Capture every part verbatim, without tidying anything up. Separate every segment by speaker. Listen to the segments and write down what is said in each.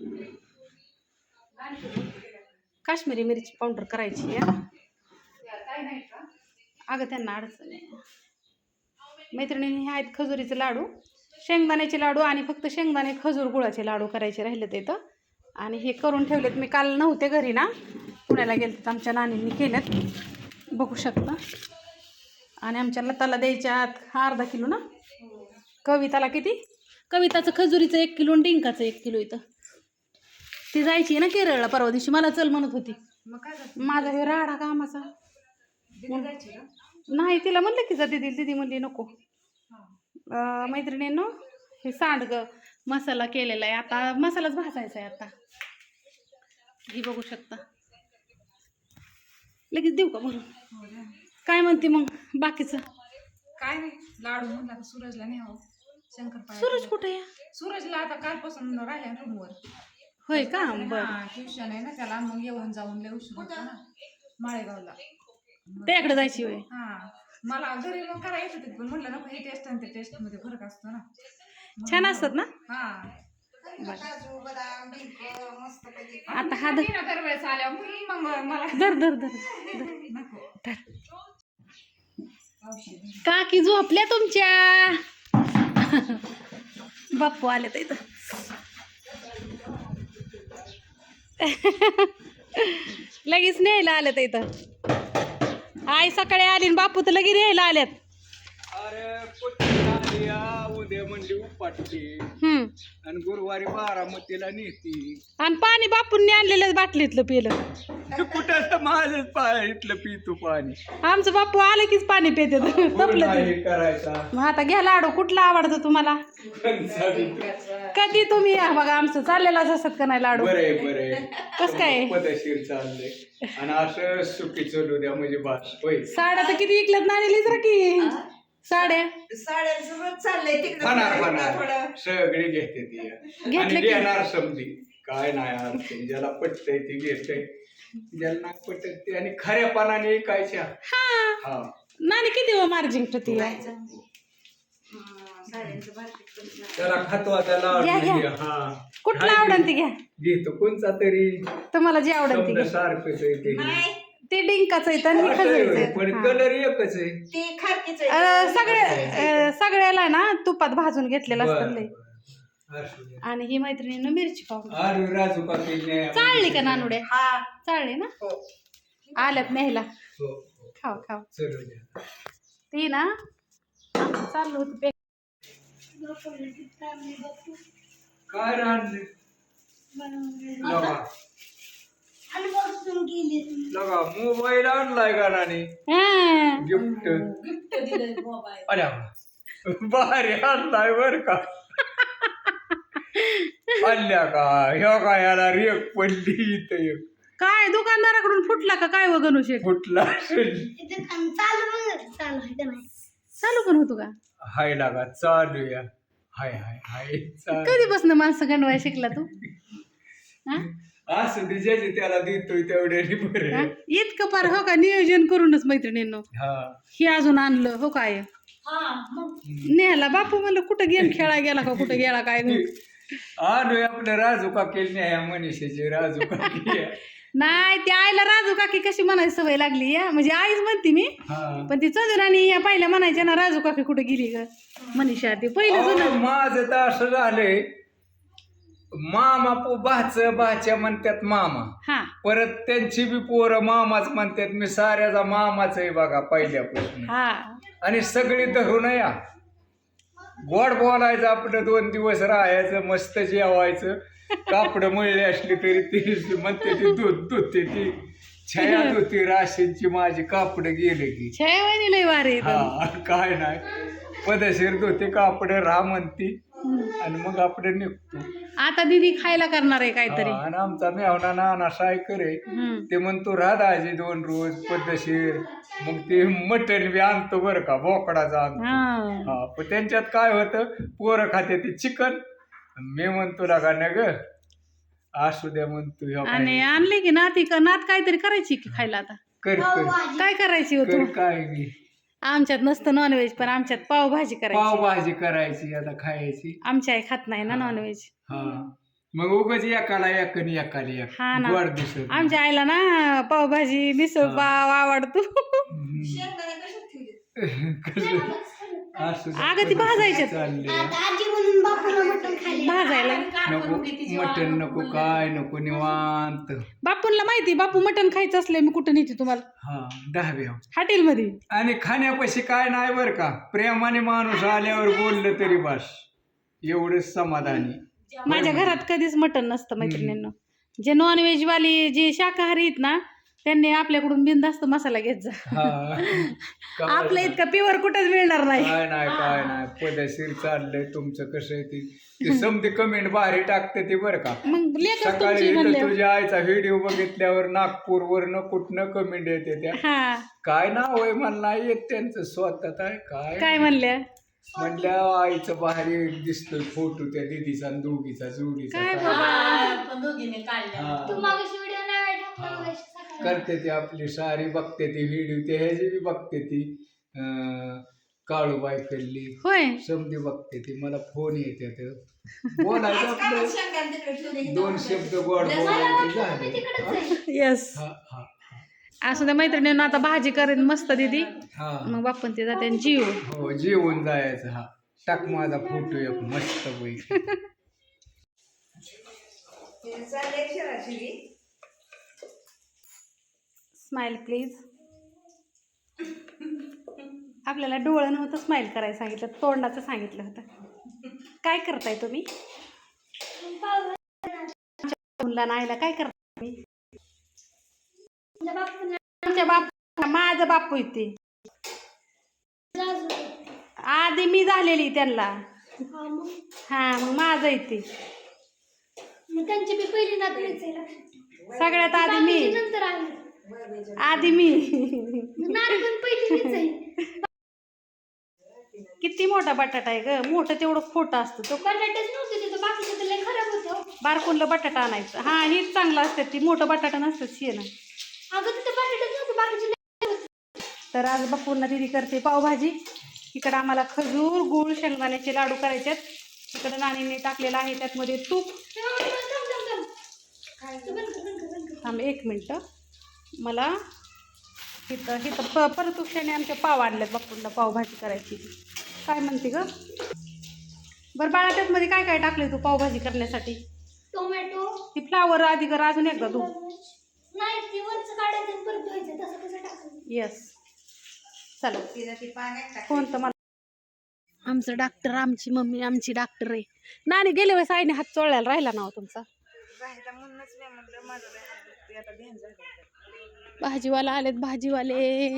Speaker 1: काश्मीरी मिरची पावडर करायची आहे. अगं त्यांना अडचण आहे. मैत्रिणींनी हे आहेत खजुरीचे लाडू, शेंगदाण्याचे लाडू आणि फक्त शेंगदाणे खजूर गुळाचे लाडू करायचे राहिले ते तर. आणि हे करून ठेवलेत. मी काल नव्हते घरी ना, पुण्याला गेले, आमच्या नानींनी केलेत, बघू शकता. आणि आमच्या लताला द्यायच्यात अर्धा किलो ना. कविताला किती? कविताचं खजुरीचं एक किलो आणि डिंकाचं एक किलो. इथं ती जायची ना केरळला परवा दिवशी, मला चल म्हणत होती. माझा हे राडा कामाचा नाही, तिला म्हणलं की जा दिदी, दिदी म्हणली नको. मैत्रिणींनो हे सांडगं मसाला केलेला आहे. आता मसालाच भाजायचा आहे. आता ही बघू शकता. लगेच देऊ का भरून? काय म्हणते मग बाकीचं?
Speaker 2: काय नाही, लाडू म्हणला सूरजला नाही हो. शंकरपाळ्या.
Speaker 1: सूरज कुठे आहे?
Speaker 2: सूरजला आता कालपासून राहिल्या रूमवर.
Speaker 1: होय का? बरं.
Speaker 2: ट्युशन आहे ना त्याला, मग येऊन जाऊन लय उशीर होता ना माळेगावला.
Speaker 1: त्याकडे जायची होय?
Speaker 2: हा, मला घरी मग करायचं होते, पण म्हटलं नको, हे टेस्ट आणि ते टेस्ट मध्ये फरक असतो ना.
Speaker 1: छान असतात ना.
Speaker 2: हा,
Speaker 1: आता हा धर
Speaker 2: दरवेळेस आल्या म्हणून मग मला
Speaker 1: धर धर धर
Speaker 2: नको.
Speaker 1: धर. काकी झोपल्या तुमच्या. बाप्पू आले तर इथं. लगेच न्यायला आले तर इथं. आई सकाळी आली आणि बापू तर लगेच न्यायला आल्यात.
Speaker 3: अरे उद्या म्हणली उपाटची
Speaker 1: हम्म.
Speaker 3: आणि गुरुवारी बारामतीला नेती.
Speaker 1: आणि पाणी बापूंनी आणलेलं बाटलीतलं पिलं.
Speaker 3: कुठं माझंच पाहिलं पितो पाणी.
Speaker 1: आमचं बापू आलं कीच पाणी पिते तपलं
Speaker 3: हे करायचा.
Speaker 1: मग आता घ्या लाडू. कुठला आवडतं तुम्हाला? कधी तुम्ही या बघा, आमचं चाललेलाच असत का नाही लाडू.
Speaker 3: बरे बरे
Speaker 1: कस काय
Speaker 3: पदशीर चाललंय आणि असं सुखी चलू द्या म्हणजे बास होय.
Speaker 1: साड्या तर किती विकल्यात नाणीलीच रा की साड्या.
Speaker 4: साड्यांसोबत चाललंय तिकडे
Speaker 3: खाणार खाणार सगळी घेते ती आणि घेणार समजी. काय नाही अडचण, ज्याला पटतंय ती घेतय, ज्याला नाही पटत ते. आणि खऱ्या पानाने ऐकायच्या. हा,
Speaker 1: नाणी किती हो मार्जिन ती?
Speaker 3: त्याला खातो त्याला.
Speaker 1: घ्या, घ्या.
Speaker 3: हा,
Speaker 1: कुठला आवडन ती घ्या.
Speaker 3: घेतो कोणचा तरी
Speaker 1: तुम्हाला जे आवडन ती घ्या.
Speaker 3: सारखंच आहे ते.
Speaker 1: ते डिंकाचं आहे तर खजुरीचं
Speaker 3: पण
Speaker 1: आहे.
Speaker 3: कलर एकच आहे.
Speaker 4: ते खारकीच
Speaker 1: अं, सगळे अं, सगळ्याला ना तुपात भाजून घेतलेलं असतं लय. आणि ही मैत्रिणीनं मिरची पावडर
Speaker 3: अरे राजू का केली
Speaker 1: चालली का नानुड्या?
Speaker 4: हा
Speaker 1: चालली ना. आल्यात न्यायला.
Speaker 3: हो,
Speaker 1: खाव खाव.
Speaker 3: चलू द्या.
Speaker 1: ती ना चाललं होतं पे.
Speaker 3: काय राहणार लगा लगा मोबाईल आणलाय का नानी?
Speaker 1: हा.
Speaker 3: गिफ्ट
Speaker 4: गिफ्ट दिलंय मोबाईल.
Speaker 3: अरे भारी आणलाय बर का. आणल्या का ह्यो का याला रेक पडली इथं एक.
Speaker 1: काय दुकानदाराकडून फुटला का काय वगैरे शेक?
Speaker 3: फुटला असेल.
Speaker 1: चालू पण होतो का?
Speaker 3: हाय लागा चालू या. हाय हाय हाय चालू.
Speaker 1: कधीपासून माणसं गणवाय शिकला तू? हा?
Speaker 3: असं ते ज्याचे त्याला देतोय तेवढ्या बरे.
Speaker 1: हा? इतकं पार हो का नियोजन करूनच मैत्रिणींनो
Speaker 3: हा,
Speaker 1: हे अजून आणलं हो काय.
Speaker 4: हा मग
Speaker 1: नेहाला बापू म्हणलं कुठं गेम खेळा गेला का कुठं गेला काय.
Speaker 3: आणू आपल्या राजू काकी ह्या मनीषाची राजू काकी.
Speaker 1: नाही ते आईला राजू काकी कशी म्हणायची सवय लागली या, म्हणजे आईच म्हणते मी.
Speaker 3: हा,
Speaker 1: पण ती चंद्राणी या पहिल्या म्हणायच्या ना राजू काकी कुठे गेली ग मनीषा. ती पहिलं
Speaker 3: अहो,
Speaker 1: जुनं.
Speaker 3: माझं तर असं झालंय, मामा पो भाच भाच्या म्हणतात मामा,
Speaker 1: हा
Speaker 3: परत त्यांची बी पोरं मामाच म्हणतात. मी साऱ्याचा मामाच आहे बघा पहिल्यापासून.
Speaker 1: हा
Speaker 3: आणि सगळी धरून या गोड बोलायचं, आपलं दोन दिवस राहायचं, मस्त जेवायचं. कापड मळली असली तरी ती म्हणते ती दूध धुते ती छाया धुती राशींची माझी कापड गेले की.
Speaker 1: छायावानी लय वारे.
Speaker 3: हा, काय नाही पदशीर धुते कापड राहा म्हणती आणि मग आपण निघतो.
Speaker 1: आता दीदी खायला करणार आहे काहीतरी.
Speaker 3: हा, आणि आमचा मेहना नाना सायकर आहे,
Speaker 1: हम्म.
Speaker 3: ते म्हणतो राधाजी दोन रोज पद्धतशीर. मग ते मटण बी आणतो बरं का, बोकडाचा आणतो.
Speaker 1: हा.
Speaker 3: हा, पण त्यांच्यात काय होतं, पोरं खाते ते चिकन, मी म्हणतो लागा न ग असू द्या म्हणतो. ह्यो काय
Speaker 1: आणि आणले की नाती का नात काहीतरी करायची की खायला आता.
Speaker 3: कर कर
Speaker 1: काय करायची होतो?
Speaker 3: कर काय नाही.
Speaker 1: आमच्यात नसतं नॉनव्हेज, पण आमच्यात पावभाजी करायची.
Speaker 3: पावभाजी करायची आता खायची.
Speaker 1: आमची आई खात नाही ना नॉनव्हेज.
Speaker 3: हा, मग उगाच एकाला एक आणि एकाला एक
Speaker 1: हा ना.
Speaker 3: गोड दिसत
Speaker 1: आमच्या आईला ना पावभाजी मिसळ पाव आवडतो.
Speaker 4: शेंगदाणे कशात ठेवले?
Speaker 1: अगं ती भाजायच्यात. भाजायला
Speaker 3: नको मटण नको काय नको निवांत.
Speaker 1: बापूंला माहिती बापू मटण खायचं असलं मी कुठं नेते तुम्हाला
Speaker 3: हा दहाव्या
Speaker 1: हॉटेलमध्ये.
Speaker 3: आणि खाण्यापाशी काय नाही बरं का, प्रेमाने माणूस आल्यावर बोललं तरी बस एवढंच समाधानी.
Speaker 1: माझ्या घरात कधीच मटण नसतं मैत्रिणींना. जे नॉनव्हेज वाली जे शाकाहारी आहेत ना त्यांनी आपल्याकडून बिनधास्त मसाला घेत जा.
Speaker 3: हा
Speaker 1: आपल्या इतका प्युअर कुठंच मिळणार नाही.
Speaker 3: काय नाही काय नाही पदशीर चाललंय तुमचं. कसं आहे ते ते समधी कमेंट भारी टाकते ते बरं का.
Speaker 1: मग लेखच
Speaker 3: सकाळी
Speaker 1: तुमची
Speaker 3: इथं
Speaker 1: म्हणले.
Speaker 3: तुझ्या आईचा व्हिडिओ बघितल्यावर नागपूरवरनं कुठनं कमेंट येते त्या.
Speaker 1: हा
Speaker 3: काय नाव आहे मला नाही येत त्यांचं स्वतःच आहे काय
Speaker 1: काय म्हणल्या
Speaker 3: म्हणल्या आईचं भारी दिसतोय फोटो त्या दिदीचा आणि दोघीचा जोडीचा.
Speaker 1: काय
Speaker 3: काय.
Speaker 1: बाबा
Speaker 4: पण दोघीने काढल्या.
Speaker 3: हा.
Speaker 5: हा.
Speaker 3: करते ती आपली सारी बघते ती व्हिडिओ ते ह्याची बी बघते ती अं, काळूबाई कल्ली
Speaker 1: होय.
Speaker 3: समधी बघते ती. मला फोन येते ते बोलायचं
Speaker 4: आज का
Speaker 3: आपलं
Speaker 4: शेंगदाणे तिकडे ठेवले?
Speaker 3: दोन शब्द गोड बोलायचे झाले.
Speaker 1: येस
Speaker 3: हा हा
Speaker 1: असं त्या मैत्रिणींना आता भाजी करेन मस्त दीदी.
Speaker 3: हा
Speaker 1: मग बापून ते जाते आणि जीव.
Speaker 3: हो जेवून जायचं. हा टाक माझा फोटो एक मस्त पैकी.
Speaker 4: ते चाललंय शिराशिरी.
Speaker 1: Smile please. आपल्याला डोळं नव्हतं स्माइल करायला सांगितलं, तोंडाचं सांगितलं होतं. काय करताय तुम्ही? मुलांना आईला काय करताय तुम्ही? आमच्या बापू माझं बापू येते आधी मी झालेली त्यांना. हा मग माझं येते
Speaker 5: त्यांची बी पहिली नात
Speaker 1: सगळ्यात आधी मी.
Speaker 5: नंतर आली
Speaker 1: आधी मी.
Speaker 5: नात पण पहिलीच आहे.
Speaker 1: किती मोठा बटाटा आहे ग. मोठं तेवढं खोटं असतं. तो
Speaker 5: बटाटेच नव्हते तिथं, बाकीचं तर लय खराब होतं.
Speaker 1: बारकोनला बटाटा आणायचं. हा हेच चांगलं असतं. ती मोठं बटाटा नसतं शेण.
Speaker 5: अगं तिथं बटाटेच नव्हते, बाकीचे लय होते.
Speaker 1: तर आज बापूंना दिदी करते पावभाजी. इकडं आम्हाला खजूर गुळ शेंगदाण्याचे लाडू करायच्यात. इकडं नानीने टाकलेलं आहे त्यातमध्ये तूप.
Speaker 5: थांब, थांब, थांब, थांब. तू बंद कर, बंद कर, बंद कर.
Speaker 1: थांब एक मिनटं. मला इथं इथं प परतुक्षाने आमच्या पाव आणल्यात बापूंना पावभाजी करायची. काय म्हणते ग बरं बाळा त्यातमध्ये काय काय टाकले तू पावभाजी करण्यासाठी?
Speaker 5: टोमॅटो.
Speaker 1: ती फ्लावर आधी कर अजून एकदा तू.
Speaker 5: नाही ते वरचं काढायचं आणि परत धुवायचं, तसं कसं टाकायचं.
Speaker 1: येस चला.
Speaker 4: तिला ती पाण्यात टाक.
Speaker 1: कोणतं मला आमचं डॉक्टर आमची मम्मी आमची डॉक्टर आहे. नानी गेले वेळेस आईने हात चोळायला राहिला ना हो तुमचा.
Speaker 4: राहिला म्हणूनच नाही म्हणलं माझं लय हात दुखतोय, आता ध्यान झालं.
Speaker 1: भाजीवाला आलेत भाजीवाले.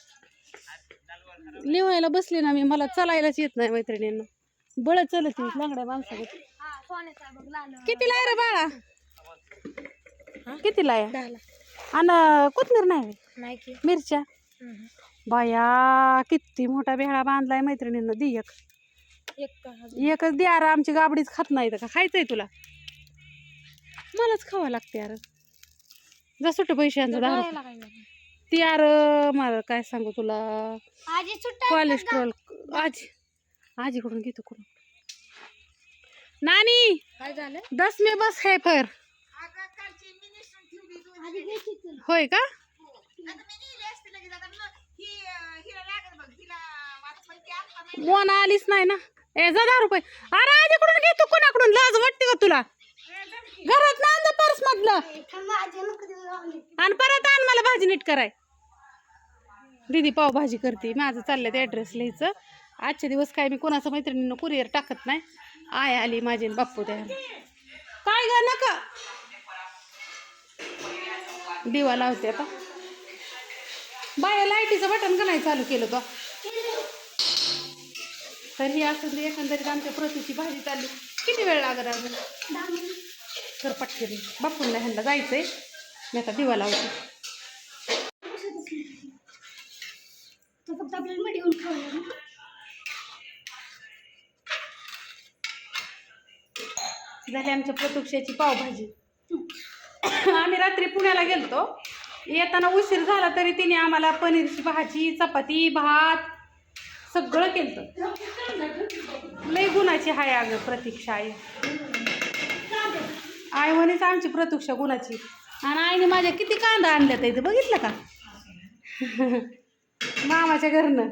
Speaker 1: लिवायला बसले ना मी. मला चालायलाच येत नाही मैत्रिणींना. बळ चलत लांगड्या माणसाकडे. कितीला आहे रे बाळा? कितीला आहे? आणि कोथमीर नाही की मिरच्या. बाया किती मोठा बेहळा बांधलाय मैत्रिणींना. दी एक एकच दे. अरे आमची गाबडीच खात नाही का? खायचंय तुला? मलाच खावं लागते यार. जा सुट पैशांचं दहा ती यार. मला काय सांगू तुला, कोलेस्ट्रॉल. आजी आजीकडून घेतो करून. नानी
Speaker 5: काय झालं?
Speaker 1: दस मे बस है फिर. होय का? मोना आलीच नाही ना. ए जा दहा रुपये. अरे आजीकडून घेतो कोणाकडून? लाज वाटते का तुला? घरात ना आणलं पर्स मधलं आणि परत आण मला भाजी नीट कराय. दीदी पावभाजी करते. माझं चाललंय ते ॲड्रेस लिहायचं. आजचे दिवस काय मी कोणाचं मैत्रिणीनं कुरिअर टाकत नाही. आय आली माझी आणि बाप्पू त्या. काय ग नका दिवा लावते आता. बाया लाईटीचं बटन का नाही चालू केलं तो? तर ही असं एकंदरीत आमच्या प्रतीची भाजी चालली. किती वेळ लागत अजून? तर पटकन बापूंना ह्यांना जायचंय. मी आता दिवा लावते.
Speaker 5: फक्त आपल्याला मडी येऊन खावं.
Speaker 1: झाली आमच्या प्रतीक्षाची पावभाजी. आम्ही रात्री पुण्याला गेलतो. येताना उशीर झाला तरी तिने आम्हाला पनीरची भाजी चपाती भात सगळं केलं. लय गुणाची हाय अगं प्रतीक्षा आहे. आई म्हणेच आमची प्रतीक्षा गुणाची. आणि आईने माझ्या किती कांदा आणल्यात इथं बघितलं का मामाच्या घरनं.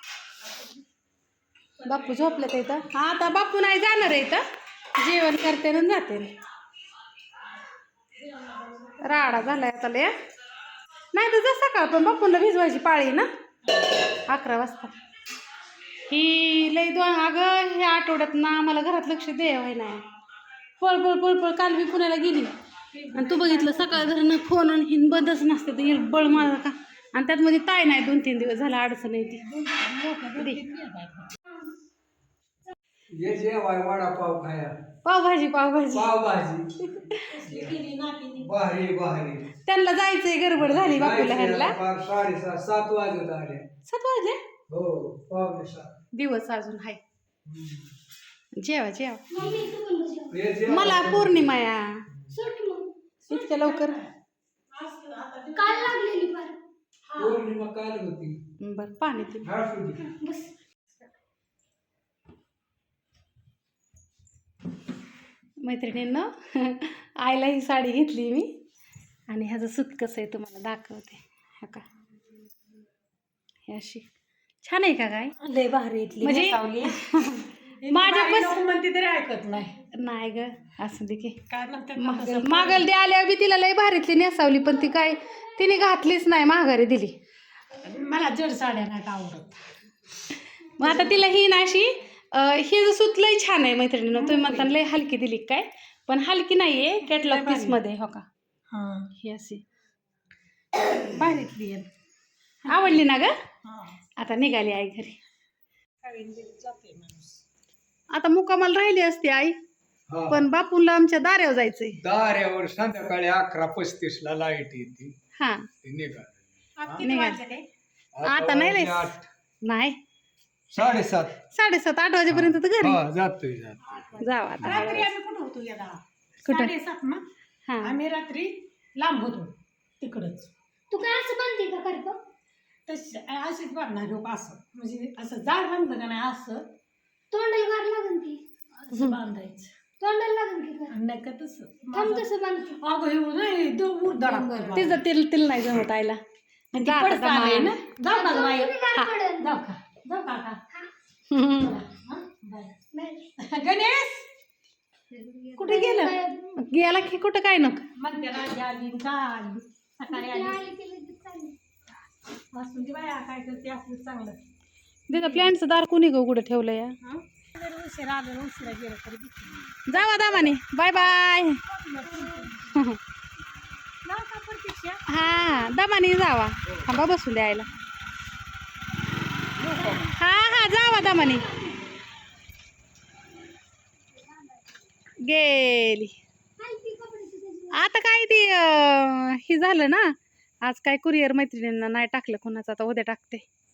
Speaker 1: बाप्पू झोपलं इथं. हा आता बाप्पू नाही जाणार आहे इथं, जेवण करते ना जाते. राडा झालाय आता लय. नाही तर जसं सकाळ पण बाप्पूला भिजवायची पाळी ना अकरा वाजता. ही लई दोन अगं ह्या आठवड्यात ना आम्हाला घरात लक्ष द्यावं नाही. पळ पळ पळ पळ काल मी पुण्याला गेली आणि तू बघितलं सकाळ धरणं फोन आणि हिन बंदच नसते तर एक बळ मारा का. आणि त्यात मध्ये ताय नाही दोन तीन दिवस झाला अडचण आहे ती.
Speaker 3: ये जेवाय वडापाव खाया
Speaker 1: पावभाजी पावभाजी
Speaker 3: पावभाजी भारी भारी.
Speaker 1: त्यांना जायचंय गडबड झाली बापूला ह्यांना.
Speaker 3: साडेसात सात वाजत आले.
Speaker 1: सात वाजले
Speaker 3: हो पावणे सात.
Speaker 1: दिवस अजून हाय. जेवा जेवा.
Speaker 5: मम्मी तू पण बस जेव.
Speaker 3: ये जेवा.
Speaker 1: मला पौर्णिमा या
Speaker 5: सुट मग
Speaker 1: इतक्या लवकर.
Speaker 5: काल लागलेली फार.
Speaker 3: पौर्णिमा काल होती.
Speaker 1: बर पाणी ते
Speaker 5: बस
Speaker 1: मैत्रिणींनं आईला ही साडी घेतली मी आणि ह्याचं सूत कसं आहे तुम्हाला दाखवते. हा का हे अशी छान आहे का काय
Speaker 2: लय भारी इथली
Speaker 1: म्हणजे माझ्या पस
Speaker 2: म्हणते तरी ऐकत नाही.
Speaker 1: नाही ग असं दे की
Speaker 2: काय म्हणते
Speaker 1: मागल मागल दे आल्यावर बी तिला लय भारीतली नेसावली पण ती काय तिने घातलीच नाही माघारी दिली.
Speaker 2: मला जड साड्या नाही आवडत.
Speaker 1: मग आता तिला ही ना अशी हे जर सूत लय छान आहे मैत्रिणीनं. तुम्ही म्हणता लय हलकी दिली काय पण हलकी नाही आहे कॅटलॉग पीसमध्ये. हो का ही अशी
Speaker 2: भारीतली आहे.
Speaker 1: आवडली ना ग. आता निघाली आई घरी. आता मुक्कामाला राहिली असते आई
Speaker 3: हा.
Speaker 1: पण बापूला आमच्या दाऱ्यावर जायचंय.
Speaker 3: दाऱ्यावर संध्याकाळी अकरा पस्तीस ला लाईट येते.
Speaker 1: हा
Speaker 3: निघाल
Speaker 1: निघाल आता नाही रे नाही
Speaker 3: साडेसात
Speaker 1: साडेसात आठ वाजेपर्यंत तर घरी
Speaker 3: हा जातोय जातोय.
Speaker 1: जाऊ आता
Speaker 2: रात्री आम्ही कुठं होतो या
Speaker 1: कुठं?
Speaker 2: साडेसात ना
Speaker 1: हा
Speaker 2: आम्ही रात्री लांब होतो तिकडच.
Speaker 5: तू काय असं बांधते का करतो?
Speaker 2: तशी अशीच बांधणार लोक असं म्हणजे असं जाड बांधलं का नाही असं
Speaker 5: तोंडाला गार लागन की.
Speaker 2: असं बांधायचं.
Speaker 5: तोंडाला लागन की कर.
Speaker 2: नाही का तसं
Speaker 5: थांब तसं बांधते.
Speaker 2: अगं हे नाही दोन दडा
Speaker 1: तिचं तिल तिल नाही जमत आईला. जा आता
Speaker 2: पडत आलंय ना. जाऊ ना बाई.
Speaker 5: तुम्ही गार पडेल.
Speaker 2: जाऊ का जाऊ का आता?
Speaker 1: हम्म.
Speaker 2: हा? बाय.
Speaker 5: बाय.
Speaker 2: गणेश कुठे गेलं?
Speaker 1: गेला की कुठं काय नको.
Speaker 2: म्हणते राजा आली का आली सकाळी आली
Speaker 5: आली की लगेच चालली.
Speaker 2: वाचून दे बाया काय करते आपलं चांगलं.
Speaker 1: तिथं प्लॅनचं दार कोणी गो कुठं ठेवलं या.
Speaker 2: जर उशिरा आलं ना उशिरा गेलं तरी भीती.
Speaker 1: जावा दामाने बाय बाय.
Speaker 2: जाऊ का प्रतीक्षा?
Speaker 1: हा दमाने जावा. थांबा बसून द्यायला. हा हा जावा दमाने. गेली
Speaker 5: हलकी कपड्याची त्याची.
Speaker 1: आता काय ती अं, हे झालं ना आज काय कुरिअर मैत्रिणींना नाही टाकलं कोणाचं आता उद्या टाकते.